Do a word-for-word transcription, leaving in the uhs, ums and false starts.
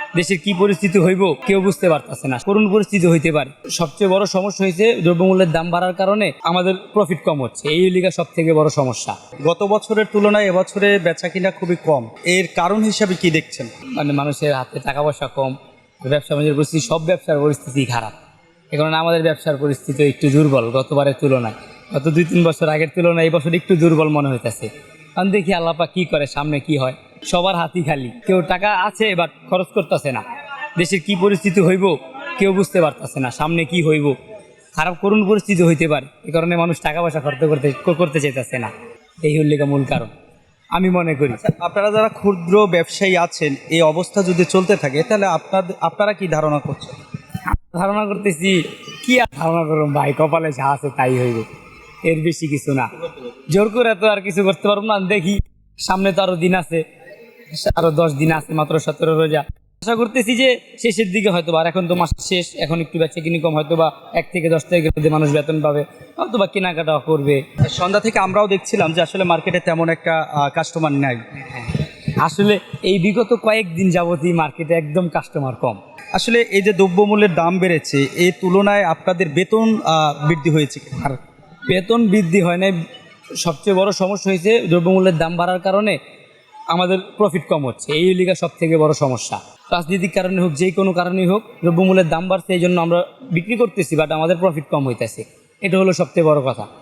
দেশের কি পরিস্থিতি হইব কেউ বুঝতে পারতেছে না, করুণ পরিস্থিতি হইতে পারে। সবচেয়ে বড় সমস্যা হয়েছে দ্রব্যমূল্যের দাম বাড়ার কারণে আমাদের প্রফিট কম হচ্ছে, এই লিগা সব থেকে বড় সমস্যা। গত বছরের তুলনায় এবছরে বেচা কিনা খুবই কম, এর কারণ হিসাবে কি দেখছেন? মানে মানুষের হাতে টাকা পয়সা কম, ব্যবসা বাণিজ্যের পরিস্থিতি, সব ব্যবসার পরিস্থিতি খারাপ। এ কারণে আমাদের ব্যবসার পরিস্থিতি একটু দুর্বল গতবারের তুলনায়। গত দুই তিন বছর আগের তুলনায় এই বছর একটু দুর্বল মনে হইতেছে। কারণ দেখি আল্লাপা কি করে, সামনে কি হয়। সবার হাতই খালি, কেউ টাকা আছে বাট খরচ করতেছে না। দেশের কি পরিস্থিতি হইব কেউ বুঝতে পারতেছে না, সামনে কি হইব, খারাপ করুণ পরিস্থিতি হইতে পারে। এ কারণে মানুষ টাকা পয়সা খরচ করতে করতে চাইতেছে না, এই হল মূল কারণ আমি মনে করি। আপনারা যারা ক্ষুদ্র ব্যবসায়ী আছেন, এই অবস্থা যদি চলতে থাকে তাহলে আপনাদের আপনারা কি ধারণা করছেন? ধারণা করতেছি কি আর ধারণা করুন ভাই, কপালে যা আছে তাই হইব, এর বেশি কিছু না। জোর করে তো আর কিছু করতে পারবো না। দেখি সামনে তো আরো দিন আছে, আরো দশ দিন আছে, মাত্র সতেরো রোজা। আশা করতেছি যে শেষের দিকে হয়তো বা, আর এখন তো মাস শেষ, এখন একটু বেচা কিনি কম, হয়তো বা এক থেকে দশ তারিখের মধ্যে মানুষ বেতন পাবে, হয়তো বা কেনাকাটা করবে। সন্ধ্যা থেকে আমরাও দেখছিলাম যে আসলে মার্কেটে তেমন একটা কাস্টমার নাই। আসলে এই বিগত কয়েকদিন যাবতই মার্কেটে একদম কাস্টমার কম। আসলে এই যে দ্রব্যমূল্যের দাম বেড়েছে, এই তুলনায় আপনাদের বেতন আহ, বৃদ্ধি হয়েছে কি? আর বেতন বৃদ্ধি হয় না, সবচেয়ে বড় সমস্যা হয়েছে দ্রব্যমূল্যের দাম বাড়ার কারণে আমাদের প্রফিট কম হচ্ছে, এই লিগা সব থেকে বড় সমস্যা। রাজনৈতিক কারণে হোক, যে কোনো কারণেই হোক, দ্রব্যমূল্যের দাম বাড়ছে, এই জন্য আমরা বিক্রি করতেছি বাট আমাদের প্রফিট কম হইতেছে, এটা হলো সবচেয়ে বড় কথা।